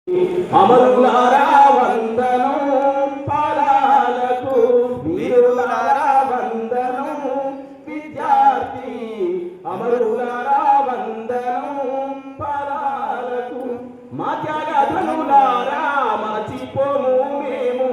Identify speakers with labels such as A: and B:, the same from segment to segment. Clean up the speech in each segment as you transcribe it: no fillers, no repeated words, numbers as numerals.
A: అమరులారా వందనం పాదాలకు, వీరులారా వందనం విద్యార్థి, అమరులారా వందనం పాదాలకు, మా త్యాగధనులారా మరచిపోము మేము,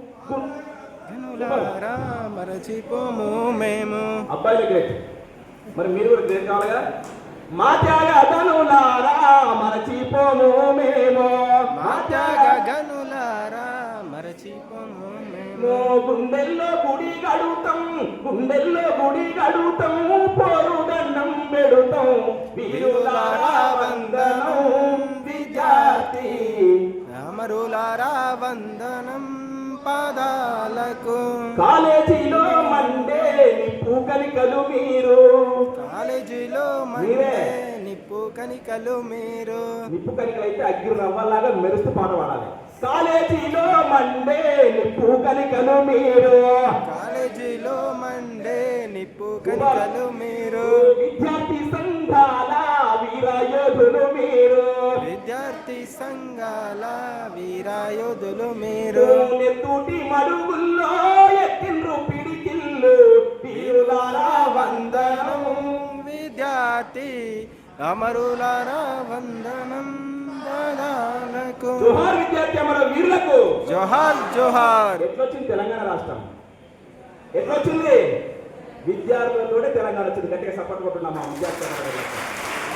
B: మరచిపోము మేము.
A: అబ్బాయిలు గ్రేట్, మరి మీరు కూడా గ్రేట్ కావాలిగా. మా త్యాగధనులారా మరచిపోము మేము,
B: మా త్యాగధనులారా మరచిపోము మేము.
A: గుండెల్లో గుడి గడుతాం, గుండెల్లో గుడి గడుతాం, పోరు దండం పెడుతాం, వీరులారా వందనం విద్యార్థి,
B: అమరులారా వందనం పాదాలకు.
A: కాలేజీలో మండే నిప్పు కనికలు మీరు,
B: కాలేజీలో మండే నిప్పు కనికలు మీరు.
A: నిప్పు కనికలు అయితే అగ్గి రవ్వలాగా మెరుస్తూ పాట పాడాలి. కాలేజీలో మండే నిప్పు కనికలు మీరు,
B: కాలేజీలో మండే నిప్పు కనికలు మీరు.
A: విద్యార్థి సంఘాల వీరయోధులు మీరు,
B: విద్యార్థి సంఘాల వీరయోధులు మీరు.
A: నెత్తూటి మడుగుల్లో ఎత్తిండ్రు పిడికిళ్ళు, వీరులారా వందనం
B: విద్యార్థి, అమరులారా వందనం పాదాలకు.
A: జోహార్ విద్యార్థి అమర వీరులకు,
B: జోహార్ జోహార్.
A: ఎట్లొచ్చింది తెలంగాణ రాష్ట్రం? ఎట్లొచ్చింది? విద్యార్థులతోనే తెలంగాణ వచ్చింది. గట్టిగా సపోర్ట్ కొట్టున్నామా విద్యార్థి.